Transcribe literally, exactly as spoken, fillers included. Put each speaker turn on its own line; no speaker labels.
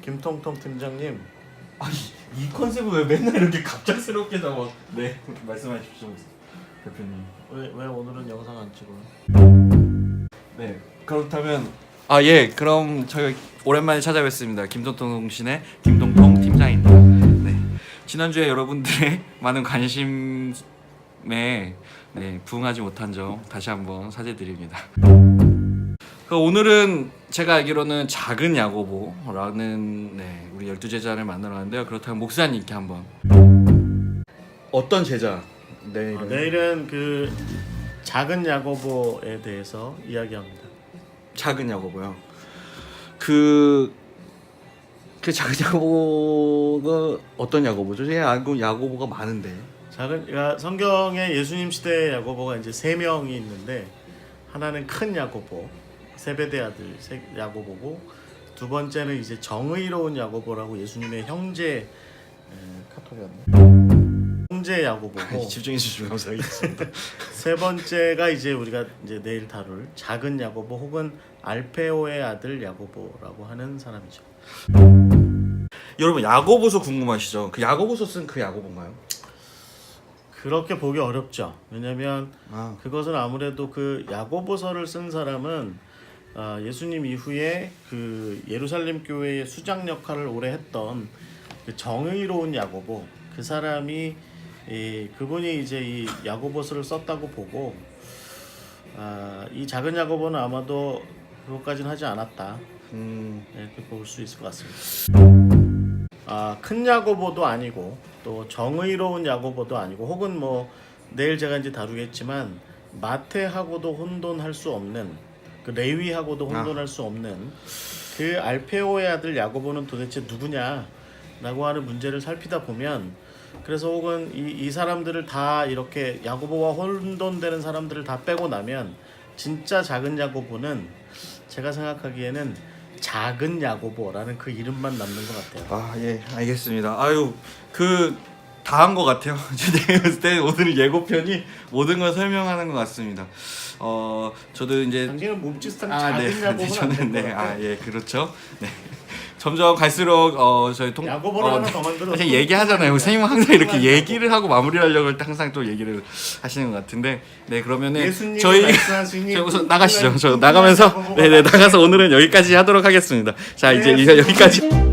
김통통 팀장님.
아니 이 컨셉을 왜 맨날 이렇게 갑작스럽게 잡아? 네 말씀하십시오 대표님.
왜, 왜 오늘은 영상 안 찍어요?
네 그렇다면 아 예 그럼 저희 오랜만에 찾아뵙습니다. 김통통신의 김통통 팀장입니다. 네 지난주에 여러분들의 많은 관심에 네, 부응하지 못한 점 다시 한번 사죄드립니다. 그 오늘은 제가 알기로는 작은 야고보라는 네, 우리 열두 제자를 만나러 왔는데요. 그렇다면 목사님께 한번 어떤 제자 내일은?
아, 내일은 그 작은 야고보에 대해서 이야기합니다.
작은 야고보요. 그, 그 작은 야고보가 어떤 야고보죠? 제가 알고 야고보가 많은데.
작은 그러니까 성경에 예수님 시대의 야고보가 이제 세 명이 있는데 하나는 큰 야고보, 세베대 아들 야고보고 두 번째는 이제 정의로운 야고보라고 예수님의 형제 에, 카톡이었네. 형제 야고보고
집중해 주시면 감사하겠습니다.
세 번째가 이제 우리가 이제 내일 다룰 작은 야고보 혹은 알페오의 아들 야고보라고 하는 사람이죠.
여러분 야고보서 궁금하시죠? 그 야고보서 쓴 그 야고보인가요?
그렇게 보기 어렵죠. 왜냐하면
아.
그것은 아무래도 그 야고보서를 쓴 사람은 아, 예수님 이후에 그 예루살렘 교회의 수장 역할을 오래 했던 그 정의로운 야고보 그 사람이 이, 그분이 이제 이 야고보서를 썼다고 보고 아, 이 작은 야고보는 아마도 그것까지는 하지 않았다.
음.
이렇게 볼 수 있을 것 같습니다. 아, 큰 야고보도 아니고 또 정의로운 야고보도 아니고 혹은 뭐 내일 제가 이제 다루겠지만 마태하고도 혼돈할 수 없는 그 레위하고도 혼돈할 아. 수 없는 그 알페오의 아들 야고보는 도대체 누구냐라고 하는 문제를 살피다 보면 그래서 혹은 이, 이 사람들을 다 이렇게 야고보와 혼돈되는 사람들을 다 빼고 나면 진짜 작은 야고보는 제가 생각하기에는 작은 야고보라는 그 이름만 남는 것 같아요.
아, 예, 알겠습니다. 아유, 그 다 한 것 같아요. 제가 봤을 때 오늘 예고편이 모든 걸 설명하는 것 같습니다. 어, 저도 이제
당신은 몸짓상
아,
작은
네,
야고보는
네,
안
저는
될
네,
것 같아요.
아, 예, 그렇죠. 네. 점점 갈수록 어 저희 통
야고보를
어,
하나 더 만들어.
사실 얘기하잖아요. 선생님은 항상 이렇게 얘기를 하고 마무리하려고 할 때 항상 또 얘기를 하시는 것 같은데, 네 그러면은 저희 저 우선 나가시죠. 저 나가면서 네네 나가서 오늘은 여기까지 하도록 하겠습니다. 자 이제
네,
여기까지.